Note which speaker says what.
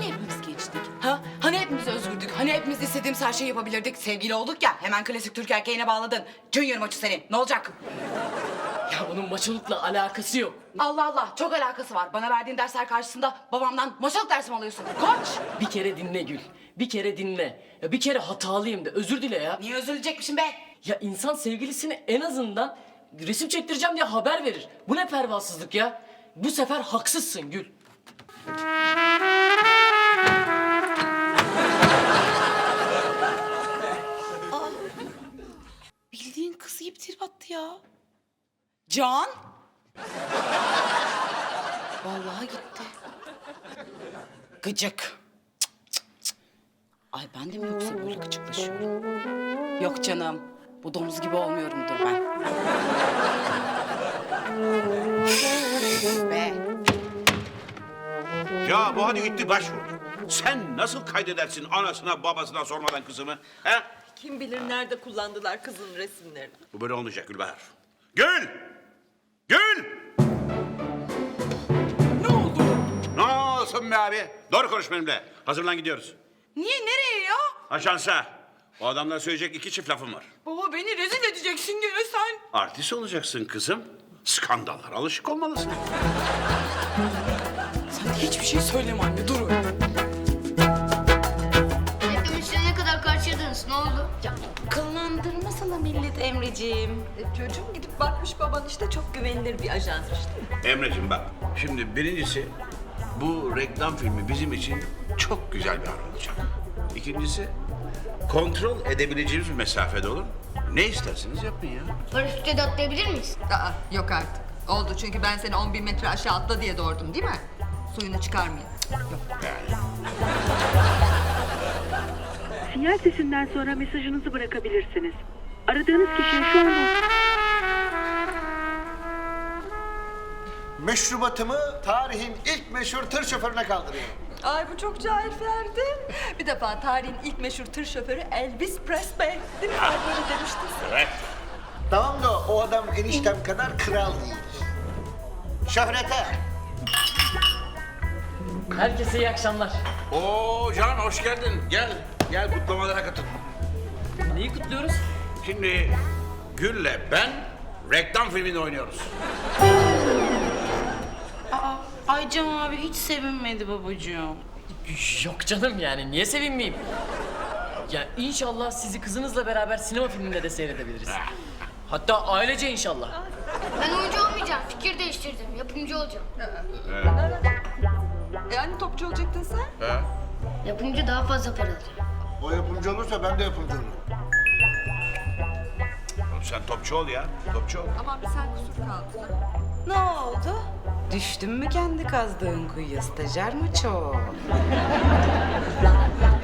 Speaker 1: Hani hepimiz gençtik? Ha? Hani hepimiz özgürdük? Hani hepimiz istediğimiz her şeyi yapabilirdik? Sevgili olduk ya, hemen klasik Türk erkeğine bağladın. Junior maçı senin. Ne olacak?
Speaker 2: Ya bunun maçılıkla alakası yok.
Speaker 1: Allah Allah, çok alakası var. Bana verdiğin dersler karşısında babamdan maçalık dersi mi alıyorsun? Koç!
Speaker 2: Bir kere dinle Gül. Bir kere dinle. Ya bir kere hatalıyım de özür dile ya.
Speaker 1: Niye üzülecekmişim be?
Speaker 2: Ya insan sevgilisine en azından resim çektireceğim diye haber verir. Bu ne pervasızlık ya? Bu sefer haksızsın Gül.
Speaker 1: Bildiğin kızı yiyip trip attı ya. Can? Vallahi gitti. Gıcık. Cık, cık, cık. Ay ben de mi yoksa böyle gıcıklaşıyorum? Yok canım. Bu domuz gibi olmuyorumdur ben. Be.
Speaker 3: Ya bu hadi gitti başvurdu. Sen nasıl kaydedersin anasına babasına sormadan kızını? He?
Speaker 4: Kim bilir nerede kullandılar kızın resimlerini.
Speaker 3: Bu böyle olmayacak Gülbahar. Gül! Gül!
Speaker 1: Ne oldu?
Speaker 3: Ne olsun be abi? Doğru konuş benimle. Hazırlan gidiyoruz.
Speaker 1: Niye, nereye ya?
Speaker 3: Ajansa. O adamlara söyleyecek 2 çift lafım var.
Speaker 1: Baba beni rezil edeceksin gene sen.
Speaker 3: Artist olacaksın kızım. Skandallara alışık olmalısın.
Speaker 1: Sen de hiçbir şey söyleme anne, dur öyle.
Speaker 5: Reklam işine ne kadar karşıladınız? Ne oldu?
Speaker 1: Ya kıllandırmasana millet Emreciğim.
Speaker 4: Çocuğum gidip bakmış baban işte çok güvenilir bir ajansmış değil mi?
Speaker 3: Emreciğim bak. Şimdi birincisi bu reklam filmi bizim için çok güzel bir an olacak. İkincisi kontrol edebileceğimiz bir mesafede olur. Ne isterseniz yapın ya.
Speaker 5: Paraşütle de atlayabilir miyiz?
Speaker 4: Aa, yok artık. Oldu çünkü ben seni 10.000 metre aşağı atla diye doğurdum değil mi? Suyunu çıkarmayın.
Speaker 3: Yani.
Speaker 6: Sinyal sesinden sonra mesajınızı bırakabilirsiniz. Aradığınız kişiye şu anda...
Speaker 7: Meşrubatımı tarihin ilk meşhur tır şoförüne kaldırıyorum.
Speaker 4: Ay bu çok cahil Ferdi. Bir defa tarihin ilk meşhur tır şoförü Elvis Presley. Değil mi? Ay böyle demiştin sen.
Speaker 3: Evet.
Speaker 7: Tamam da o adam eniştem kadar kral değil. Şöhrete.
Speaker 2: Herkese iyi akşamlar.
Speaker 3: Oo Can hoş geldin. Gel. Gel kutlamalara katıl.
Speaker 2: Neyi kutluyoruz?
Speaker 3: Şimdi Gül'le ben reklam filminde oynuyoruz.
Speaker 1: Ay Cem abi hiç sevinmedi babacığım.
Speaker 2: Yok canım yani niye sevinmeyeyim? Ya inşallah sizi kızınızla beraber sinema filminde de seyredebiliriz. Hatta ailece inşallah.
Speaker 5: Ben oyuncu olmayacağım. Fikir değiştirdim. Yapımcı olacağım.
Speaker 4: Yani topçu olacaktın sen?
Speaker 3: He?
Speaker 5: Yapımcı daha fazla para alır.
Speaker 7: O yapımcı olursa ben de yapımcı olurum.
Speaker 3: Oğlum sen topçu ol ya. Topçu ol.
Speaker 4: Aman bir sen kusur kaldın.
Speaker 1: Ne oldu? Düştün mü kendi kazdığın kuyuya stajyer mi çok?